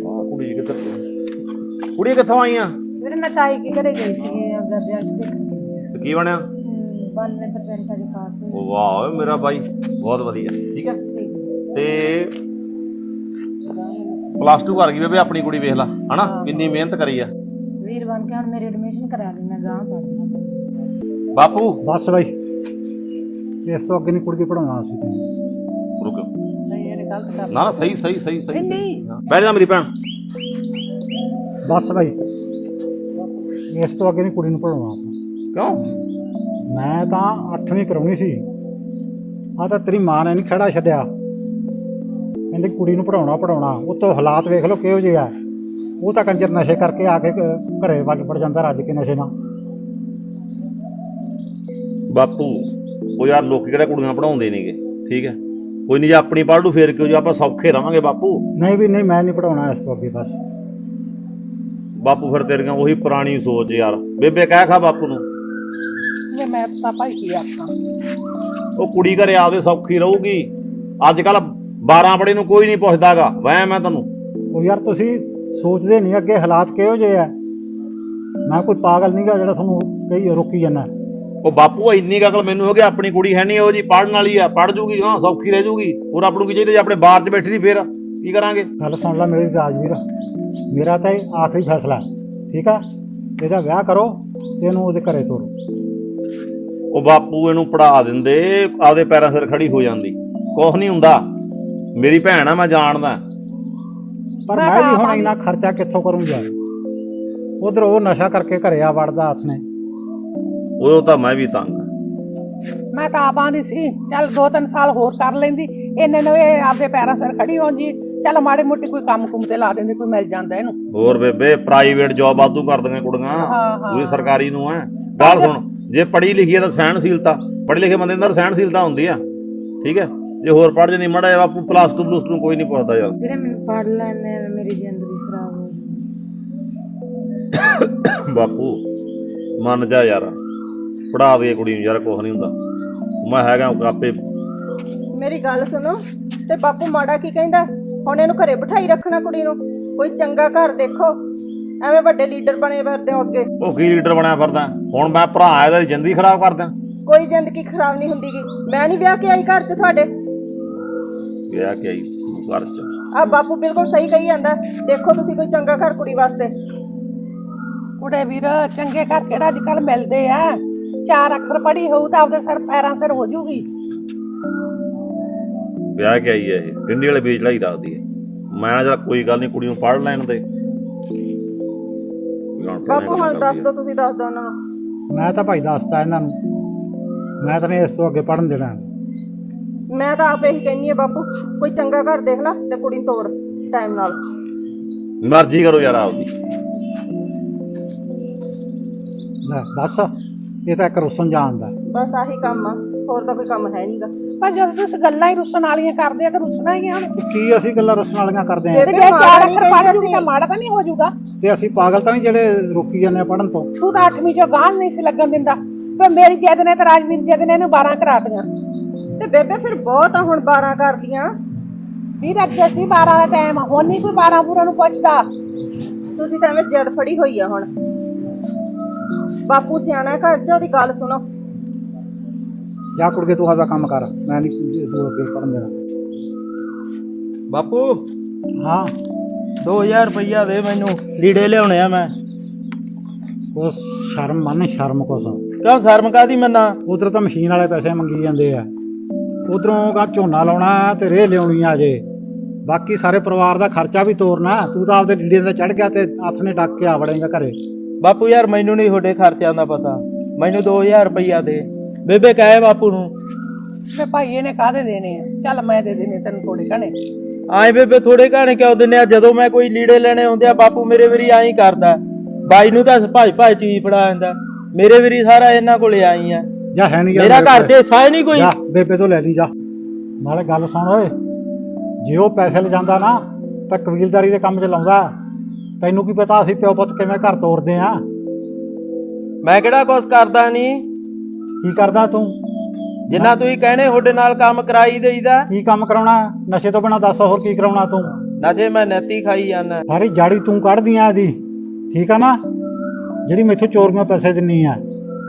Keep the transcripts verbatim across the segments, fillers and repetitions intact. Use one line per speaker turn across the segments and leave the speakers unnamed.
ਕੁੜੀ ਕਿੱਧਰ ਕੁੜੀ ਕਿੱਥੋਂ ਆਈ ਆ?
ਵੀਰੇ ਮੈਂ ਤਾਈ ਕੇ ਘਰੇ ਗਈ ਸੀ ਆਪਦਾ ਵਿਆਹ ਦੇਖਣ।
ਤੇ ਕੀ ਬਣਿਆ?
ਬਾਨਵੇਂ ਪਰਸੈਂਟ ਅਜੇ ਪਾਸ ਹੋਈ।
ਉਹ ਵਾਹ ਮੇਰਾ ਬਾਈ, ਬਹੁਤ ਵਧੀਆ। ਠੀਕ ਹੈ ਤੇ ਪਲੱਸ ਟੂ ਕਰ ਗਈ ਬੇਬੇ ਆਪਣੀ ਕੁੜੀ, ਵੇਖ ਲਾ ਹਨਾ ਕਿੰਨੀ ਮਿਹਨਤ ਕਰੀ ਆ।
ਵੀਰ ਬਣ ਕੇ ਹੁਣ ਮੇਰੀ ਐਡਮਿਸ਼ਨ ਕਰਾ ਲੈਣਾ ਗਾਂ ਪੜ੍ਹਨਾ।
ਬਾਪੂ
ਬਸ ਬਾਈ, ਇਸ ਤੋਂ ਅੱਗੇ ਨਹੀਂ ਕੁੜੀ ਪੜਾਉਣਾ ਸੀ।
ਰੁਕ
ਨਹੀਂ ਇਹਨੇ ਗਲਤ ਕਰ
ਨਾ ਨਾ ਸਹੀ ਸਹੀ ਸਹੀ ਸਹੀ
ਨਹੀਂ
ਬਹਿ ਜਾ ਮੇਰੀ ਭੈਣ।
ਬਸ ਬਾਈ, ਇਸ ਤੋਂ ਅੱਗੇ ਨਹੀਂ ਕੁੜੀ ਨੂੰ ਪੜਾਉਣਾ ਆਪਾਂ।
ਕਿਉਂ?
ਮੈਂ ਤਾਂ ਅੱਠਵੀਂ ਕਰਾਉਣੀ ਸੀ, ਆ ਤਾਂ ਤੇਰੀ ਮਾਂ ਨੇ ਨਹੀਂ ਖੜਾ ਛੱਡਿਆ, ਕਹਿੰਦੀ ਕੁੜੀ ਨੂੰ ਪੜਾਉਣਾ ਪੜਾਉਣਾ। ਉੱਤੋਂ ਹਾਲਾਤ ਵੇਖ ਲਓ ਕਿਹੋ ਜਿਹੇ ਆ। ਉਹ ਤਾਂ ਕੰਜਰ ਨਸ਼ੇ ਕਰਕੇ ਆ ਕੇ ਘਰੇ ਵੱਲ ਵੜ ਜਾਂਦਾ ਰੱਜ ਕੇ ਨਸ਼ੇ ਨਾਲ।
ਬਾਪੂ ਉਹ ਯਾਰ ਲੋਕੀ ਕਿਹੜਾ ਕੁੜੀਆਂ ਪੜਾਉਂਦੇ ਨੇਗੇ। ਠੀਕ ਹੈ ਕੋਈ ਨਹੀਂ, ਜੇ ਆਪਣੀ ਪੜ੍ਹ ਲੂ ਫੇਰ ਕਿਉਂ, ਜੇ ਆਪਾਂ ਸੌਖੇ ਰਵਾਂਗੇ ਬਾਪੂ।
ਨਹੀਂ ਵੀ ਨਹੀਂ, ਮੈਂ ਨਹੀਂ ਪੜਾਉਣਾ ਇਸ ਤੋਂ ਅੱਗੇ। ਬਸ
ਬਾਪੂ ਫਿਰ ਤੇਰੀਆਂ ਉਹੀ ਪੁਰਾਣੀ ਸੋਚ ਯਾਰ। ਬੇਬੇ ਕਹਿ ਖਾ ਬਾਪੂ ਨੂੰ,
ਮੈਂ ਤਾਂ ਭਾਈ ਕੀ ਆਖਾਂ।
ਉਹ ਕੁੜੀ ਘਰੇ ਆਪਦੇ ਸੌਖੀ ਰਹੂਗੀ। ਅੱਜ ਕੱਲ ਬਾਰਾਂ ਪੜੇ ਨੂੰ ਕੋਈ ਨਹੀਂ ਪੁੱਛਦਾਗਾ। ਵਹਿ ਮੈਂ ਤੈਨੂੰ
ਉਹ ਯਾਰ ਤੁਸੀਂ ਸੋਚਦੇ ਨਹੀਂ ਅੱਗੇ ਹਾਲਾਤ ਕਿਹੋ ਜਿਹੇ ਆ। ਮੈਂ ਕੋਈ ਪਾਗਲ ਨਹੀਂ ਗਾ ਜਿਹੜਾ ਤੁਹਾਨੂੰ ਕਹੀ ਰੋਕੀ ਜਾਂਦਾ।
ਉਹ ਬਾਪੂ ਇੰਨੀ ਅਕਲ ਮੈਨੂੰ ਹੋ ਗਿਆ, ਆਪਣੀ ਕੁੜੀ ਹੈ ਨਹੀਂ ਉਹ ਜੀ ਪੜ੍ਹਨ ਵਾਲੀ ਆ, ਪੜ੍ਹ ਜੂਗੀ ਹਾਂ ਸੌਖੀ ਰਹਿ ਜੂਗੀ। ਹੋਰ ਆਪਾਂ ਨੂੰ ਕੀ ਚਾਹੀਦਾ? ਜੇ ਆਪਣੇ ਬਾਹਰ 'ਚ ਬੈਠੀ ਨਹੀਂ ਫੇਰ ਕੀ ਕਰਾਂਗੇ?
ਗੱਲ ਸੁਣ ਲੈ ਮੇਰੀ ਰਾਜਵੀਰ, ਮੇਰਾ ਤਾਂ ਇਹ ਆਖਰੀ ਫੈਸਲਾ ਠੀਕ ਆ। ਇਹਦਾ ਵਿਆਹ ਕਰੋ ਤੇ ਇਹਨੂੰ ਉਹਦੇ ਘਰੇ ਤੋਰੋ।
ਉਹ ਬਾਪੂ ਇਹਨੂੰ ਪੜ੍ਹਾ ਦਿੰਦੇ, ਆਪਦੇ ਪੈਰਾਂ ਸਿਰ ਖੜੀ ਹੋ ਜਾਂਦੀ, ਕੁਛ ਨਹੀਂ ਹੁੰਦਾ। ਮੇਰੀ ਭੈਣ ਆ, ਮੈਂ ਜਾਣਦਾ।
ਪਰ ਮੈਂ ਵੀ ਹੁਣ ਇੰਨਾ ਖਰਚਾ ਕਿੱਥੋਂ ਕਰੂੰਗਾ? ਉਧਰ ਉਹ ਨਸ਼ਾ ਕਰਕੇ ਘਰੇ ਆ ਵੜਦਾ ਹੱਥ ਨੇ।
ਉਦੋਂ ਤਾਂ ਮੈਂ ਵੀ ਤੰਗ।
ਮੈਂ ਤਾਂ ਆਪ ਆਂਦੀ ਸੀ ਚੱਲ ਦੋ ਤਿੰਨ ਸਾਲ ਹੋਰ ਕਰ ਲੈਂਦੀ, ਇਹਨੇ ਨੂੰ ਇਹ ਆਪਦੇ ਪੈਰਾਂ ਸਿਰ ਖੜੀ ਹੋ ਜੀ। ਚੱਲ ਮਾੜੇ ਮੋਟੇ ਕੋਈ ਕੰਮ ਕੁੰਮ ਤੇ ਲਾ ਦਿੰਦੇ, ਕੋਈ ਮਿਲ ਜਾਂਦਾ ਇਹਨੂੰ।
ਹੋਰ ਬੇਬੇ ਪ੍ਰਾਈਵੇਟ ਜੌਬ ਵਾਧੂ ਕਰਦੀਆਂ ਕੁੜੀਆਂ, ਤੁਸੀਂ ਸਰਕਾਰੀ ਨੂੰ ਹੈ। ਗੱਲ ਸੁਣ, ਜੇ ਪੜ੍ਹੀ ਲਿਖੀ ਹੈ ਤਾਂ ਸਹਿਣਸ਼ੀਲਤਾ, ਪੜ੍ਹੇ ਲਿਖੇ ਬੰਦੇ ਅੰਦਰ ਸਹਿਣਸ਼ੀਲਤਾ ਹੁੰਦੀ ਆ। ਠੀਕ ਹੈ ਜੇ ਹੋਰ ਪੜ੍ਹ ਜਾਂਦੀ ਮਾੜਾ ਜਿਹਾ ਬਾਪੂ ਪਲੱਸ ਟੂ ਪਲੱਸ ਟੂ ਕੋਈ ਨਹੀਂ ਪੁੱਛਦਾ ਯਾਰ।
ਵੀਰੇ ਮੈਨੂੰ ਪੜ੍ਹ ਲੈਣੇ ਮੇਰੀ ਜ਼ਿੰਦਗੀ ਖਰਾਬ ਹੋ ਜਾਊ।
ਬਾਪੂ ਮੰਨ ਜਾ ਯਾਰ, ਪੜ੍ਹਾ ਦੇ ਕੁੜੀ ਨੂੰ ਯਾਰ, ਕੁਛ ਨਹੀਂ ਹੁੰਦਾ। ਮੈਂ ਹੈਗਾ ਆਪੇ।
ਮੇਰੀ ਗੱਲ ਸੁਣੋ, ਤੇ ਬਾਪੂ ਮਾੜਾ ਕੀ ਕਹਿੰਦਾ? ਹੁਣ ਇਹਨੂੰ ਘਰੇ ਬਿਠਾਈ ਰੱਖਣਾ ਕੁੜੀ ਨੂੰ? ਕੋਈ ਚੰਗਾ ਘਰ ਦੇਖੋ, ਐਵੇਂ ਵੱਡੇ ਲੀਡਰ ਬਣੇ ਫਿਰਦੇ ਹੋ ਅੱਗੇ। ਉਹ
ਕੀ ਲੀਡਰ ਬਣਿਆ ਫਿਰਦਾ? ਹੁਣ ਮੈਂ ਭਰਾ ਇਹਦਾ ਜ਼ਿੰਦਗੀ ਖਰਾਬ ਕਰਦਾ?
ਕੋਈ ਜ਼ਿੰਦਗੀ ਖਰਾਬ ਨਹੀਂ ਹੁੰਦੀ ਗੀ। ਮੈਂ ਨਹੀਂ ਵਿਆਹ ਕੇ ਆਈ ਘਰ 'ਚ ਤੁਹਾਡੇ।
ਵਿਆਹ ਕੇ ਆਈ ਘਰ 'ਚ?
ਆ ਬਾਪੂ ਬਿਲਕੁਲ ਸਹੀ ਕਹੀ ਜਾਂਦਾ। ਦੇਖੋ ਤੁਸੀਂ ਕੋਈ ਚੰਗਾ ਘਰ ਕੁੜੀ ਵਾਸਤੇ।
ਕੁੜੇ ਵੀਰ ਚੰਗੇ ਘਰ ਕਿਹੜਾ ਅੱਜ ਕੱਲ ਮਿਲਦੇ ਆ? ਚਾਰ ਅੱਖਰ ਪੜ੍ਹੀ ਹੋਊ ਤਾਂ ਆਪਦੇ ਸਿਰ ਪੈਰਾਂ ਸਿਰ ਹੋ ਜੂਗੀ।
ਵਿਆਹ ਕੇ ਆਈ ਹੈ ਇਹ, ਟਿੰਡੀ ਵਾਲੇ ਬੀਜ ਚੜਾਈ ਰੱਖਦੀ ਹੈ। ਮੈਂ ਜਾਂ ਕੋਈ ਗੱਲ ਨਹੀਂ, ਕੁੜੀ ਨੂੰ ਪੜ੍ਹ ਲੈਣ ਦੇ।
ਬਾਪੂ ਹੁਣ ਦੱਸ ਦੋ, ਤੁਸੀਂ ਦੱਸ ਦੋ ਉਹਨਾਂ ਨੂੰ।
ਮੈਂ ਤਾਂ ਭਾਈ ਦੱਸਤਾ ਇਹਨਾਂ ਨੂੰ, ਮੈਂ ਤਾਂ ਨਹੀਂ ਇਸ ਤੋਂ ਅੱਗੇ ਪੜ੍ਹਨ ਦੇਣਾ।
ਮੈਂ ਤਾਂ ਆਪ ਇਹੀ ਕਹਿੰਦੀ ਆ ਬਾਪੂ, ਕੋਈ ਚੰਗਾ ਘਰ ਦੇਖ ਲੈ ਤੇ ਕੁੜੀ ਨੂੰ ਤੋਰ ਟਾਈਮ ਨਾਲ।
ਮਰਜ਼ੀ ਕਰੋ ਯਾਰ ਆਪਦੀ।
ਲੈ ਬਸ, ਇਹ ਤਾਂ ਇੱਕ ਰੁੱਸਣ ਜਾਣਦਾ।
ਬਸ ਆਹੀ ਕੰਮ ਆ, ਹੋਰ ਤਾਂ ਕੋਈ ਕੰਮ ਹੈ ਨਹੀਂਗਾ।
ਪਰ ਜਦੋਂ ਤੁਸੀਂ ਗੱਲਾਂ ਹੀ ਰੁੱਸਣ ਵਾਲੀਆਂ ਕਰਦੇ ਆ ਤਾਂ ਰੁੱਸਣਾ ਹੀ ਆ। ਹੁਣ
ਕੀ ਅਸੀਂ ਗੱਲਾਂ ਰੁੱਸਣ ਵਾਲੀਆਂ ਕਰਦੇ ਆਂ?
ਜੇ ਚਾਰ ਅੱਖਰ ਪੜ੍ਹ ਜੂਗੀ ਤਾਂ ਮਾੜਾ ਤਾਂ ਨਹੀਂ ਹੋ ਜਾਊਗਾ?
ਤੇ ਅਸੀਂ ਪਾਗਲ ਤਾਂ ਨਹੀਂ ਜਿਹੜੇ ਰੋਕੀ ਜਾਂਦੇ ਆ ਪੜ੍ਹਨ ਤੋਂ?
ਤੂੰ ਤਾਂ ਅੱਠਵੀਂ ਚੋਂ ਗਾਂਹ ਨਹੀਂ ਸੀ ਲੱਗਣ ਦਿੰਦਾ, ਤੇ ਮੇਰੀ ਜਿੱਦ ਨੇ ਤੇ ਰਾਜਵੀਰ ਜਿੱਦ ਨੇ ਇਹਨੂੰ ਬਾਰਾਂ ਕਰਾਤੀਆਂ।
ਤੇ ਬੇਬੇ ਫਿਰ ਬਹੁਤ ਆ ਹੁਣ ਬਾਰਾਂ ਕਰਦੀਆਂ।
ਵੀਰ ਅੱਗੇ ਸੀ ਬਾਰਾਂ ਦਾ ਟਾਈਮ, ਹੁਣ ਨਹੀਂ ਕੋਈ ਬਾਰਾਂ ਬੂਰਾਂ ਨੂੰ ਪੁੱਛਦਾ।
ਤੁਸੀਂ ਤਾਂ ਐਵੇਂ ਜਿੱਦ ਫੜੀ ਹੋਈ ਆ ਹੁਣ। ਬਾਪੂ ਸਿਆਣਾ ਘਰ 'ਚ, ਉਹਦੀ ਗੱਲ ਸੁਣੋ।
ਜਾ ਕੁੜਕੇ ਤੂੰ ਆਪਦਾ ਕੰਮ ਕਰ, ਮੈਂ ਨਹੀਂ ਤੂੰ ਅੱਗੇ ਪੜ੍ਹਨ ਦੇਣਾ।
ਬਾਪੂ
ਹਾਂ
ਦੋ ਹਜ਼ਾਰ ਰੁਪਈਆ ਦੇ, ਮੈਨੂੰ ਲੀੜੇ ਲਿਆਉਣੇ ਆ। ਮੈਂ
ਕੁਛ ਸ਼ਰਮ ਮੰਨ, ਸ਼ਰਮ ਕੁਛ।
ਕਿਉਂ ਸ਼ਰਮ ਕਾਹਦੀ ਮੰਨਾ?
ਉਧਰ ਤਾਂ ਮਸ਼ੀਨ ਵਾਲੇ ਪੈਸੇ ਮੰਗੀ ਜਾਂਦੇ ਆ, ਉਧਰੋਂ ਕਾ ਝੋਨਾ ਲਾਉਣਾ ਤੇ ਰੇਹ ਲਿਆਉਣੀ ਆ ਜੇ, ਬਾਕੀ ਸਾਰੇ ਪਰਿਵਾਰ ਦਾ ਖਰਚਾ ਵੀ ਤੋਰਨਾ। ਤੂੰ ਤਾਂ ਆਪਦੇ ਲੀੜੇ ਤੇ ਚੜ ਗਿਆ ਤੇ ਹੱਥ ਨੇ ਡੱਕ ਕੇ ਆ ਵੜੇਗਾ ਘਰੇ।
ਬਾਪੂ ਯਾਰ ਮੈਨੂੰ ਨਹੀਂ ਤੁਹਾਡੇ ਖਰਚਿਆਂ ਦਾ ਪਤਾ, ਮੈਨੂੰ ਦੋ ਹਜ਼ਾਰ ਰੁਪਈਆ ਦੇ। ਬੇਬੇ ਕਹੇ ਬਾਪੂ ਨੂੰ
ਤੇ ਭਾਈ ਇਹਨੇ ਕਾਹਦੇ ਦੇਣੇ ਆ? ਚੱਲ ਮੈਂ ਦੇ ਦੇਣੇ ਤੈਨੂੰ ਥੋੜੇ ਘਣੇ।
ਆਏ ਬੇਬੇ ਥੋੜੇ ਘਾਣੇ ਕਿਉਂ ਦਿੰਦੇ ਆ? ਜਦੋਂ ਮੈਂ ਕੋਈ ਲੀੜੇ ਲੈਣੇ ਹੁੰਦੇ ਆ ਬਾਪੂ ਮੇਰੇ ਵਾਰੀ ਆਈ ਕਰਦਾ। ਬਾਈ ਨੂੰ ਤਾਂ ਭਾਈ ਭਾਈ ਚੀਜ਼ ਫੜਾ ਜਾਂਦਾ, ਮੇਰੇ ਵਾਰੀ ਸਾਰਾ ਇਹਨਾਂ ਕੋਲੇ ਆਈ ਆ।
ਜਾ ਹੈ ਨਹੀਂ
ਮੇਰਾ ਘਰ ਤੇ ਸਾਇ ਨਹੀਂ ਕੋਈ।
ਬੇਬੇ ਤੋਂ ਲੈ ਲਈ ਜਾ। ਨਾਲੇ ਗੱਲ ਸੁਣ ਓਏ, ਜੇ ਉਹ ਪੈਸੇ ਲਿਜਾਂਦਾ ਨਾ ਤਾਂ ਕਬੀਲਦਾਰੀ ਦੇ ਕੰਮ 'ਚ ਲਾਉਂਦਾ। ਤੈਨੂੰ ਕੀ ਪਤਾ ਅਸੀਂ ਪਿਓ ਪੁੱਤ ਕਿਵੇਂ ਘਰ ਤੋਰਦੇ ਆ?
ਮੈਂ ਕਿਹੜਾ ਕੁਛ ਕਰਦਾ ਨਹੀਂ।
ਕੀ ਕਰਦਾ ਤੂੰ?
ਜਿੰਨਾ ਤੁਸੀਂ ਕਹਿੰਦੇ ਤੁਹਾਡੇ ਨਾਲ ਕੰਮ ਕਰਾਈ ਦੇਈਦਾ।
ਕੀ ਕੰਮ ਕਰਾਉਣਾ? ਨਸ਼ੇ ਤੋਂ ਬਿਨਾਂ ਦੱਸ ਹੋਰ ਕੀ ਕਰਾਉਣਾ ਤੂੰ?
ਨਸ਼ੇ ਮੈਂ ਨੈਤੀ ਖਾਈ ਜਾਂਦਾ।
ਸਾਰੀ ਜਾੜੀ ਤੂੰ ਕੱਢਦੀ ਆ ਇਹਦੀ, ਠੀਕ ਆ ਨਾ, ਜਿਹੜੀ ਮੈਥੋਂ ਚੋਰੀਆਂ ਪੈਸੇ ਦਿੰਨੀ ਆ।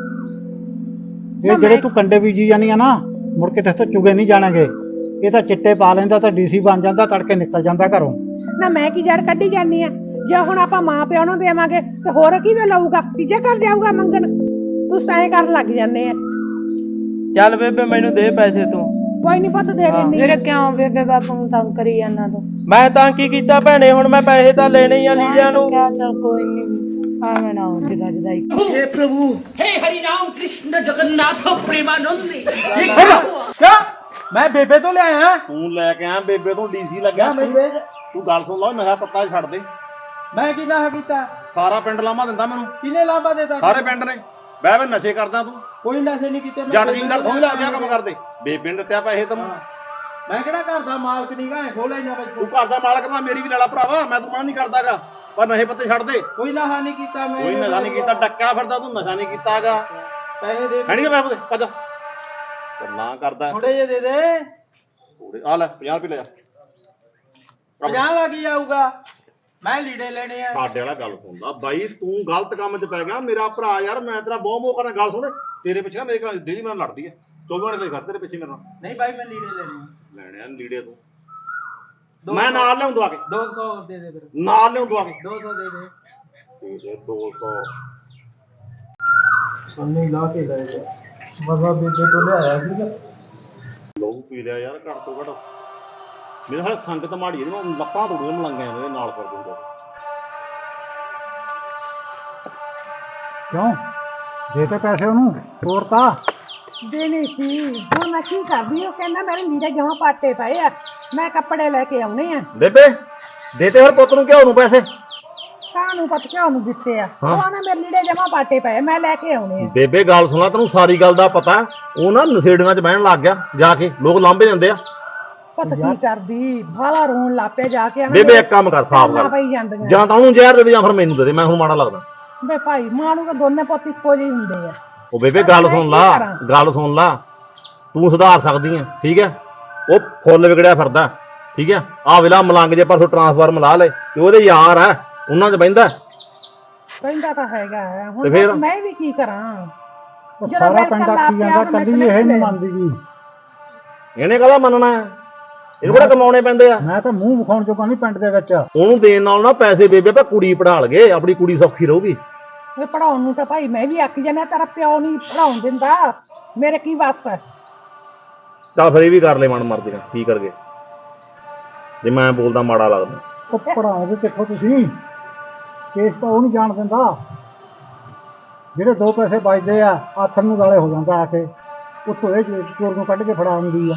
ਇਹ ਜਿਹੜੇ ਤੂੰ ਕੰਡੇ ਬੀਜੀ ਜਾਨੀ ਆ ਨਾ, ਮੁੜ ਕੇ ਤੇਥੋਂ ਚੁਗੇ ਨਹੀਂ ਜਾਣਗੇ। ਇਹ ਤਾਂ ਚਿੱਟੇ ਪਾ ਲੈਂਦਾ ਤਾਂ ਡੀਸੀ ਬਣ ਜਾਂਦਾ, ਤੜਕੇ ਨਿਕਲ ਜਾਂਦਾ ਘਰੋਂ।
ਨਾ ਮੈਂ ਕੀ ਜੜ ਕੱਢੀ ਜਾਨੀ ਆ? ਜੇ ਹੁਣ ਆਪਾਂ ਮਾਂ ਪਿਓ ਨੂੰ ਦੇਵਾਂਗੇ ਤੇ ਹੋਰ ਕਿਹਦੇ ਲਊਗਾ? ਤੀਜੇ ਘਰ ਜਾਊਗਾ ਮੰਗਣ? ਤੂੰ ਤਾਂ ਐਂ ਕਰਨ ਲੱਗ ਜਾਂਦੇ ਆ।
ਚੱਲ ਬੇਬੇ ਮੈਨੂੰ ਦੇ ਪੈਸੇ ਤੂੰ।
ਕੋਈ ਨਹੀਂ ਪੁੱਤ ਦੇ ਦਿੰਦੀ।
ਵੀਰੇ ਕਿਉਂ ਬੇਬੇ ਬਾਪੂ ਨੂੰ ਤੰਗ ਕਰੀ ਜਾਂਦਾ ਤੂੰ?
ਮੈਂ ਤਾਂ ਕੀ ਕੀਤਾ ਭੈਣੇ, ਹੁਣ ਮੈਂ ਪੈਸੇ ਤਾਂ ਲੈਣੇ ਹੀ ਆ ਲੀੜਿਆਂ ਨੂੰ।
ਕਿਆ ਚੱਲ ਕੋਈ ਨਹੀਂ, ਆ ਮੈਂ ਨਾ ਹੁੰਦੀ ਗੱਜਦਾਈ।
हे प्रभु हे हरि राम कृष्ण जगन्नाथ प्रेमानंद
ਕਿਆ ਮੈਂ ਬੇਬੇ ਤੋਂ ਲਿਆਇਆ?
ਤੂੰ ਲੈ ਕੇ ਆਇਆ ਬੇਬੇ ਤੋਂ, ਡੀਸੀ ਲੱਗਿਆ।
ਬੇਬੇ
ਤੂੰ ਗੱਲ ਸੁਣ ਲਾ, ਨਸ਼ਾ ਪੱਤਾ ਛੱਡ ਦੇ।
ਮੈਂ ਕੀ ਨਾ ਕੀਤਾ?
ਸਾਰਾ ਪਿੰਡ ਲਾਮਾ ਦਿੰਦਾ ਮੈਨੂੰ,
ਕਿਨੇ ਲਾਂਬਾ ਦੇਤਾ?
ਸਾਰੇ ਪਿੰਡ ਨੇ। ਬਹਿ ਬਹਿ ਨਸ਼ੇ ਕਰਦਾ ਤੂੰ,
ਕੋਈ ਨਸ਼ੇ ਨਹੀਂ ਕੀਤੇ। ਮੈਂ
ਜੱਟ ਜਿੰਦਰ ਥੋੜੀ ਲੱਗਦੇ ਆ ਕੰਮ ਕਰਦੇ। ਬੇਬੇ ਨੇ ਦਿੱਤਿਆ ਪੈਸੇ ਤੈਨੂੰ।
ਮੈਂ ਕਿਹੜਾ ਘਰ ਦਾ ਮਾਲਕ ਨਹੀਂ ਗਾ, ਖੋਲ ਲੈਣਾ ਬਈ।
ਤੂੰ ਘਰ ਦਾ ਮਾਲਕ ਮੈਂ ਮੇਰੀ ਵੀ ਲਾਲਾ ਭਰਾਵਾ, ਮੈਂ ਤੂੰ ਮਨਾ ਨਹੀਂ ਕਰਦਾਗਾ, ਪਰ ਨਸ਼ੇ ਪੱਤੇ ਛੱਡ ਦੇ।
ਕੋਈ ਨਸ਼ਾ ਨਹੀਂ ਕੀਤਾ ਮੈਂ।
ਕੋਈ ਨਸ਼ਾ ਨਹੀਂ ਕੀਤਾ, ਡੱਕਿਆ ਫਿਰਦਾ ਤੂੰ, ਨਸ਼ਾ ਨਹੀਂ ਕੀਤਾਗਾ।
ਪੈਸੇ ਦੇ
ਹੈ ਨਹੀਂ ਕਿ ਪੈਸੇ ਭੱਜ ਨਾ ਕਰਦਾ।
ਥੋੜੇ ਜਿਹੇ ਦੇ ਦੇ।
ਥੋੜੇ ਆ ਲੈ, ਪੰਜਾਹ ਰੁਪਏ ਲੈ ਜਾ।
ਪੰਜਾਹ ਦਾ ਕੀ ਆਊਗਾ? ਮੈਂ ਲੀੜੇ ਲੈਣੇ ਆ।
ਸਾਡੇ ਵਾਲਾ ਗੱਲ ਸੁਣਦਾ ਬਾਈ, ਤੂੰ ਗਲਤ ਕੰਮ 'ਚ ਪੈ ਗਿਆ ਮੇਰਾ ਭਰਾ ਯਾਰ। ਮੈਂ ਤੇਰਾ ਬਹੁਤ ਮੋਹ ਕਰਦਾ, ਗੱਲ ਸੁਣ। ਤੇਰੇ ਪਿੱਛੇ ਨਾ ਮੇਰੇ ਕੋਲ ਡੇਲੀ ਮੇਰੇ ਨਾਲ ਲੜਦੀ ਹੈ, ਚੌਵੀ ਘੰਟੇ ਘਰ ਤੇਰੇ ਪਿੱਛੇ ਮੇਰੇ ਨਾਲ।
ਨਹੀਂ ਬਾਈ ਮੈਂ ਲੀੜੇ ਲੈਣੇ ਆ।
ਲੈਣੇ ਆ ਲੀੜੇ ਤੂੰ, ਮੈਂ ਨਾਲ ਲਿਆਉਂ ਦਵਾ ਕੇ।
ਦੋ ਸੌ ਦੇ ਦੇ ਫਿਰ।
ਨਾਲ ਲਿਆਉਂ ਦਵਾ ਕੇ।
ਦੋ ਸੌ ਦੇ ਦੇ।
ਠੀਕ ਹੈ, ਦੋ ਸੌ।
ਸੋਨੀ ਲਾ ਕੇ ਲੈ ਜਾ। ਮਜ਼ਾ ਬੇਬੇ ਤੋਂ ਲਿਆਇਆ ਸੀਗਾ।
ਲੋਹੂ ਪੀ ਲਿਆ ਯਾਰ ਘੱਟ ਤੋਂ ਘੱਟ। ਮੇਰੇ ਹਾਲੇ ਸੰਗਤ ਮਾੜੀ ਇਹਦੇ ਨਾਲ, ਲੱਤਾਂ ਤੋੜੀਆਂ ਮਲੰਗਿਆਂ ਦੇ ਨਾਲ ਕਰ ਦੂੰਗਾ।
ਕਿਉਂ ਦੇ ਤੇ ਪੈਸੇ ਉਹਨੂੰ, ਤੋਰਤਾ?
ਦੇਣੀ ਸੀ, ਹੁਣ ਮੈਂ ਕੀ ਕਰਦੀ? ਉਹ ਕਹਿੰਦਾ ਮੇਰੇ ਲੀੜੇ ਜਮਾ ਪਾਟੇ ਪਏ ਆ, ਮੈਂ ਕੱਪੜੇ ਲੈ ਕੇ ਆਉਣੇ ਆ।
ਬੇਬੇ ਦੇ ਤੇ ਹੋਰ ਪੁੱਤ ਨੂੰ ਘਿਓ ਨੂੰ ਪੈਸੇ।
ਕਾਹਨੂੰ ਪਤ ਕਿਉਂ ਨੂੰ ਦਿੱਤੇ ਆ? ਉਹ ਆਂਦਾ ਮੇਰੇ ਲੀੜੇ ਜਮਾ ਪਾਟੇ ਪਏ, ਮੈਂ ਲੈ ਕੇ ਆਉਣੇ ਆ।
ਬੇਬੇ ਗੱਲ ਸੁਣਾ, ਤੈਨੂੰ ਸਾਰੀ ਗੱਲ ਦਾ ਪਤਾ। ਉਹ ਨਾ ਨਸ਼ੇੜੀਆਂ 'ਚ ਬਹਿਣ ਲੱਗ ਗਿਆ ਜਾ ਕੇ, ਲੋਕ ਲਾਂਭੇ ਜਾਂਦੇ ਆ।
ਪਤ ਕੀ ਕਰਦੀ? ਬਾਲਾ ਰੋਣ ਲੱਪੇ ਜਾ ਕੇ।
ਬੇਬੇ ਇੱਕ ਕੰਮ ਕਰ, ਸਾਫ਼ ਕਰ,
ਪਈ ਜਾਂਦੀਆਂ
ਜਾਂ ਤਾਂ ਉਹਨੂੰ ਜ਼ਹਿਰ ਦੇ ਦੇ ਜਾਂ ਫਿਰ ਮੈਨੂੰ ਦੇ ਦੇ, ਮੈਂ ਹੁਣ ਮਾੜਾ ਲੱਗਦਾ।
ਬੇ ਭਾਈ ਮਾਂ ਨੂੰ ਤਾਂ ਦੋਨੇ ਪੁੱਤ ਇੱਕੋ ਜਿਹੇ ਹੁੰਦੇ ਆ।
ਉਹ ਬੇਬੇ ਗੱਲ ਸੁਣ ਲਾ, ਗੱਲ ਸੁਣ ਲਾ, ਤੂੰ ਸੁਧਾਰ ਸਕਦੀ ਹੈ, ਠੀਕ ਹੈ। ਉਹ ਫੁੱਲ ਵਿਗੜਿਆ ਫਿਰਦਾ, ਠੀਕ ਹੈ। ਆਹ ਵੇਲਾ ਮਲੰਗ ਜੇ ਪਰਸੋਂ ਟਰਾਂਸਫਾਰਮ ਲਾ ਲੈ, ਤੇ ਉਹਦੇ ਯਾਰ ਆ, ਉਹਨਾਂ 'ਚ ਬਹਿੰਦਾ।
ਕਹਿੰਦਾ ਤਾਂ ਹੈਗਾ ਹੈ,
ਤੇ
ਹੁਣ
ਫਿਰ?
ਮੈਂ ਵੀ ਕੀ ਕਰਾਂ?
ਉਹ ਸਾਰਾ ਪਿੰਡ ਆਖੀ ਜਾਂਦਾ, ਕੱਲੀ ਇਹ ਨਹੀਂ ਮੰਨਦੀ ਗੀ।
ਇਹਨੇ ਕਾਹਦਾ ਮੰਨਣਾ ਹੈ? ਇਹਨੂੰ ਕਿਹੜਾ ਕਮਾਉਣੇ ਪੈਂਦੇ ਆ।
ਮੈਂ ਤਾਂ ਮੂੰਹ ਵਿਖਾਉਣ ਜੋਗਾ ਨਹੀਂ ਪਿੰਡ ਦੇ ਵਿੱਚ।
ਉਹਨੂੰ ਦੇਣ ਨਾਲ ਨਾ ਪੈਸੇ ਬੇਬੇ ਆਪਾਂ ਕੁੜੀ ਪੜ੍ਹਾ ਲਗੇ, ਆਪਣੀ ਕੁੜੀ ਸੌਖੀ ਰਹੂਗੀ।
ਇਹ ਪੜਾਉਣ ਨੂੰ ਤਾਂ ਭਾਈ ਮੈਂ ਵੀ ਆਖੀ ਜਾਂਦਾ, ਤੇਰਾ ਪਿਓ ਨਹੀਂ ਪੜਾਉਣ ਦਿੰਦਾ, ਮੇਰੇ ਕੀ ਵੱਸ ਹੈ?
ਚੱਲ ਫਿਰ ਇਹ ਵੀ ਕਰ ਲੈ ਮਨ ਮਰਦੀ ਨਾਲ, ਕੀ ਕਰਗੇ ਜੇ ਮੈਂ ਬੋਲਦਾ ਮਾੜਾ ਲੱਗਦਾ।
ਉਹ ਪੜਾਓਗੇ ਕਿੱਥੋਂ ਤੁਸੀਂ? ਕੇਸ ਤਾਂ ਉਹ ਨਹੀਂ ਜਾਣ ਦਿੰਦਾ। ਜਿਹੜੇ ਦੋ ਪੈਸੇ ਬਚਦੇ ਆ, ਆਥਰ ਨੂੰ ਗਾਲੇ ਹੋ ਜਾਂਦਾ ਆ ਕੇ, ਉੱਤੋਂ ਇਹ ਚੋਰ ਨੂੰ ਕੱਢ ਕੇ ਫੜਾ ਆਉਂਦੀ ਆ।